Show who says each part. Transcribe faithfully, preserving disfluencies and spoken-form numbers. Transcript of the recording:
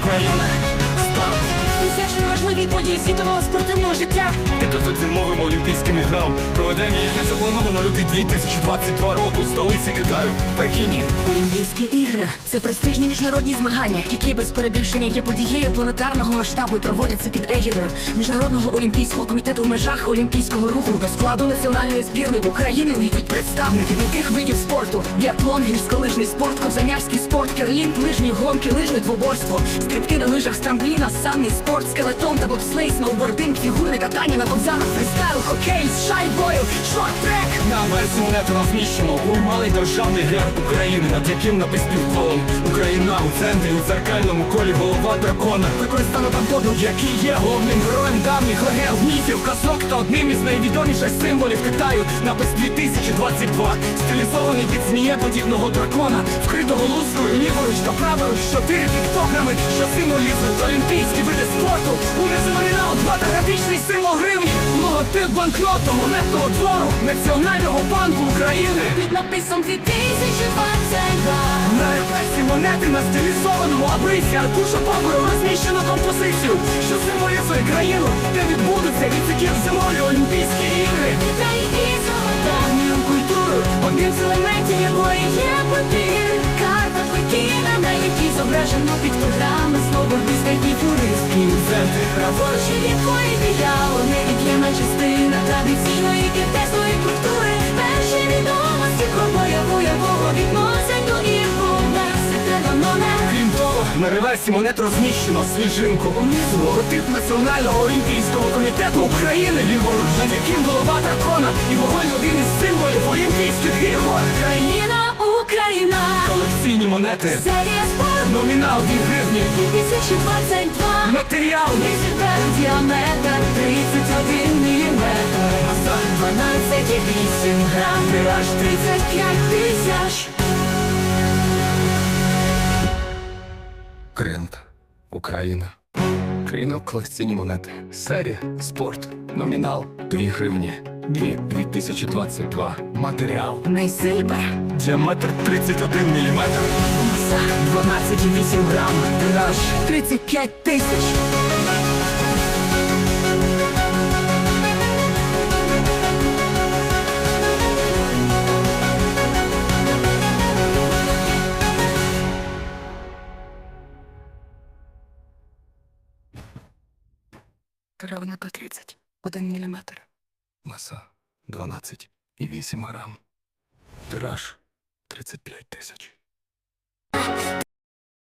Speaker 1: Україна. Спорт. Усячні важливі події світового спортивного життя.
Speaker 2: П'ятизимовим олімпійським іграм проведення їх не заплановано лютий дві тисячі двадцять другого року в столиці Китаю, Пекіні.
Speaker 1: Олімпійські ігри – це престижні міжнародні змагання, які без перебільшення є подією планетарного масштабу і проводяться під егідою Міжнародного олімпійського комітету в межах олімпійського руху. До складу національної збірної України увійдуть представники таких видів спорту: біатлон, гірськолижний спорт, козанярський спорт, керлінг, лижні гонки, лижне двоборство, стрибки на лижах з трампліна, санний спорт, скелетон та бобслей, сноубординг, фігурне катання на ковзанах, фристайл, хокей, з шайбою, шорт-трек.
Speaker 2: На версії монети розміщено малий державний герб України, над яким написано півколом Україна у центрі, у дзеркальному колі голова дракона. Використано там коду, який є головним героєм давніх легенд, міфів, казок та одним із найвідоміших символів Китаю. Напис дві тисячі двадцять два, стилізований під змієподібного дракона, вкритого лустрою ліворуч та праворуч, чотири піктограми, що символізують олімпійські види спорту. Унизу номінал два та графічний символ гривні, логотип банкноту монетного двору Національного банку України.
Speaker 1: Під написом дві тисячі двадцять два.
Speaker 2: На реверсі монети на стилізованому абрисі аркуша паперу розміщено композицію, що символізує країну, де відбудуться відсіків зимові Олімпійські ігри.
Speaker 1: Та й давньою культурою, одним з елементів якої є папір. Карта Пекіна, на якій зображено піктограми, сноубордиста і фігуристки.
Speaker 2: Центр
Speaker 1: Праворуч від якої діяло невід'ємна частина традиційної китайської культури. Перші відомості про бойову якого відносять до ікона секретного номера.
Speaker 2: Крім того, на реверсі монет розміщено свіжинку унизу логотип Національного олімпійського комітету України, ліворуч, над яким голова дракона і вогонь один із символів Олімпійських ігор.
Speaker 1: Країна, Україна.
Speaker 2: Колекційні монети.
Speaker 1: Серія спорт.
Speaker 2: Номінал дві гривні.
Speaker 1: дві тисячі двадцять два.
Speaker 2: Матеріал.
Speaker 1: Висвітлен діаметр тридцять один міліметр.
Speaker 2: Маса.
Speaker 1: дванадцять і вісім грам.
Speaker 2: Тираж
Speaker 1: тридцять п'ять тисяч.
Speaker 2: Крент. Україна. Країна, колекційні монети. Серія. Спорт. Номінал. дві гривні. Дві. дві тисячі двадцять два. Матеріал.
Speaker 1: Найсильбер.
Speaker 2: Діаметр тридцять один міліметр.
Speaker 1: Маса.
Speaker 2: дванадцять і вісім грам. Тираж.
Speaker 1: тридцять п'ять тисяч.
Speaker 2: Равника тридцять один міліметр. Маса дванадцять і вісім грам. Тираж тридцять п'ять тисяч.